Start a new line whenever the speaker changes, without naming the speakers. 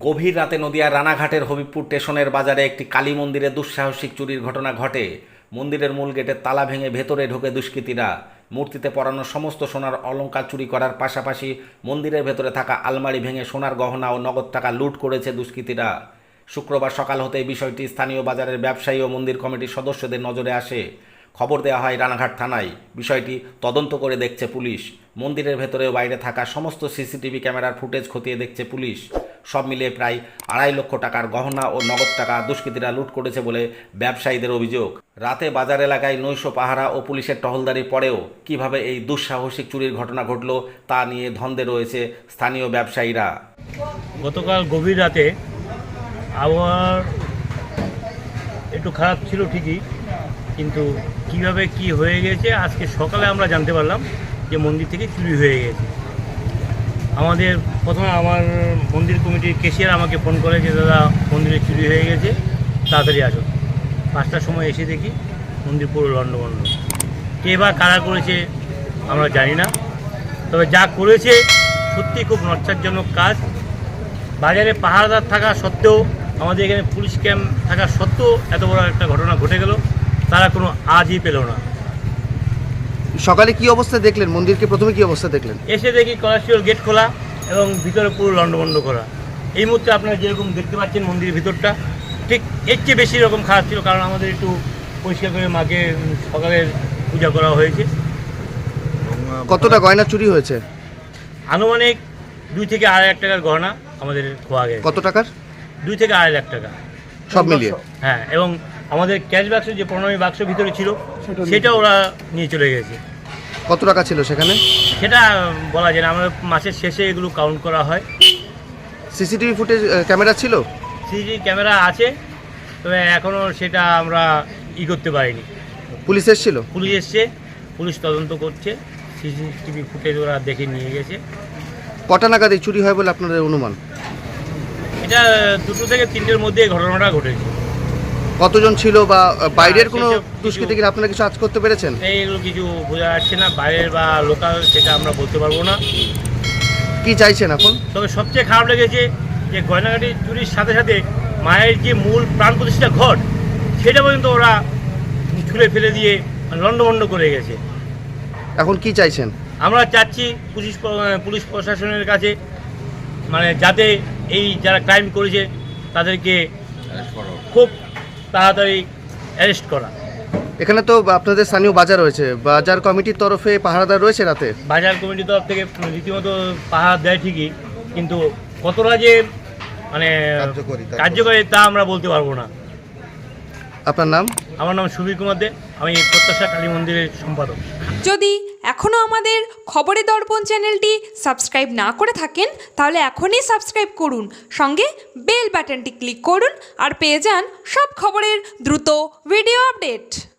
গভীর রাতে নদিয়ার রানাঘাটের হবিবপুর স্টেশনের বাজারে একটি কালী মন্দিরে দুঃসাহসিক চুরির ঘটনা ঘটে। মন্দিরের মূল গেটের তালা ভেঙে ভেতরে ঢোকে দুষ্কৃতীরা। মূর্তিতে পরানো সমস্ত সোনার অলংকার চুরি করার পাশাপাশি মন্দিরের ভেতরে থাকা আলমারি ভেঙে সোনার গহনা ও নগদ টাকা লুট করেছে দুষ্কৃতীরা। শুক্রবার সকাল হতে এই বিষয়টি স্থানীয় বাজারের ব্যবসায়ী ও মন্দির কমিটির সদস্যদের নজরে আসে। খবর দেওয়া হয় রানাঘাট থানায়। বিষয়টি তদন্ত করে দেখছে পুলিশ। মন্দিরের ভেতরে ও বাইরে থাকা সমস্ত সিসিটিভি ক্যামেরার ফুটেজ খতিয়ে দেখছে পুলিশ। সব মিলিয়ে প্রায় 2.5 লক্ষ টাকার গহনা ও নগদ টাকা দুষ্কৃতীরা লুট করেছে বলে ব্যবসায়ীদের অভিযোগ। রাতে বাজার এলাকায় নৈশ পাহারা ও পুলিশের টহলদারির পরেও কিভাবে এই দুঃসাহসিক চুরির ঘটনা ঘটল তা নিয়ে ধন্দে রয়েছে স্থানীয় ব্যবসায়ীরা।
গতকাল গভীর রাতে আবহাওয়া একটু খারাপ ছিল ঠিকই, কিন্তু কিভাবে কি হয়ে গেছে আজকে সকালে আমরা জানতে পারলাম যে মন্দির থেকে চুরি হয়ে গেছে। আমাদের প্রথমে আমার মন্দির কমিটির ক্যাশিয়ার আমাকে ফোন করে যে দাদা মন্দিরে চুরি হয়ে গেছে, তাড়াতাড়ি আসুন। 5টার সময় এসে দেখি মন্দির পুরো লণ্ডভণ্ড। কে বা কারা করেছে আমরা জানি না, তবে যা করেছে সত্যি খুব লজ্জাজনক কাজ। বাজারে পাহারাদার থাকা সত্ত্বেও, আমাদের এখানে পুলিশ ক্যাম্প থাকা সত্ত্বেও এত বড় একটা ঘটনা ঘটে গেল, তারা কোনো আজই পেল না।
সকালে কি অবস্থা দেখলেন? মন্দিরকে প্রথমে কি অবস্থা দেখলেন?
এসে দেখি কলাশিওর গেট খোলা এবং ভিতরে পুরো লণ্ডভণ্ড করা। এই মুহূর্তে আপনারা যেরকম দেখতে পাচ্ছেন মন্দিরের ভিতরটা ঠিক এর চেয়ে বেশি রকম খারাপ ছিল, কারণ আমাদের একটু পরিষ্কার করে মাকে সকালের পূজা করা হয়েছে।
কতটা গয়না চুরি হয়েছে?
আনুমানিক 2 থেকে 2.5 লাখ টাকার গহনা আমাদের খোয়া গেছে।
কত টাকার?
2 থেকে 2.5 লাখ টাকা
সব মিলিয়ে?
হ্যাঁ, এবং আমাদের ক্যাশ বাক্স যে প্রণামী বাক্স ভিতরে ছিল সেটা ওরা নিয়ে চলে গেছে।
কত টাকা ছিল সেখানে
সেটা বলা যায় না, আমাদের মাসের শেষে এগুলো কাউন্ট করা হয়।
সিসিটিভি ফুটেজ ক্যামেরা ছিল?
সিসিটিভি ক্যামেরা আছে, তবে এখনও সেটা আমরা করতে পারিনি।
পুলিশ এসেছিল?
পুলিশ এসছে, পুলিশ তদন্ত করছে। সিসিটিভি ফুটেজ ওরা দেখে নিয়ে গেছে।
কটা নাগাদ এই চুরি হয় বলে আপনাদের অনুমান?
এটা 2 থেকে 3টের মধ্যে এই ঘটনাটা ঘটেছে।
কতজন ছিল বা বাইরের কোনো
সেসব
দুষ্কৃতীকে আপনারা কিছু আজ করতে পেরেছেন?
এইগুলো কিছু বোঝা যাচ্ছে না, বাইরের বা লোকাল সেটা আমরা বলতে পারবো না।
কি চাইছেন এখন?
তবে সবচেয়ে খারাপ লেগেছে যে গয়নাগাটি চুরির সাথে সাথে মায়ের যে মূল প্রাণ প্রতিষ্ঠা ঘট সেটা পর্যন্ত ওরা ছুঁড়ে ফেলে দিয়ে লণ্ডভণ্ড করে গেছে।
এখন কি চাইছেন?
আমরা চাচ্ছি পুলিশ প্রশাসনের কাছে, মানে যাতে এই যারা ক্রাইম করেছে তাদেরকে খুব তাড়াতাড়ি অ্যারেস্ট করা।
এখানে তো আপনাদের স্থানীয় বাজার রয়েছে, বাজার কমিটির তরফে পাহারাদার রয়েছে রাতে?
বাজার কমিটির তরফ থেকে রীতিমতো পাহারা দেয় ঠিকই, কিন্তু কতটা যে মানে কার্যকরী তা আমরা বলতে পারবো না।
আপনার নাম?
আমার নাম সুবীর কুমার দে, আমি প্রত্যাশা কালী মন্দিরের সম্পাদক।
যদি এখনও আমাদের খবরের দর্পণ চ্যানেলটি সাবস্ক্রাইব না করে থাকেন তাহলে এখনই সাবস্ক্রাইব করুন, সঙ্গে বেল বাটনটি ক্লিক করুন আর পেয়ে যান সব খবরের দ্রুত ভিডিও আপডেট।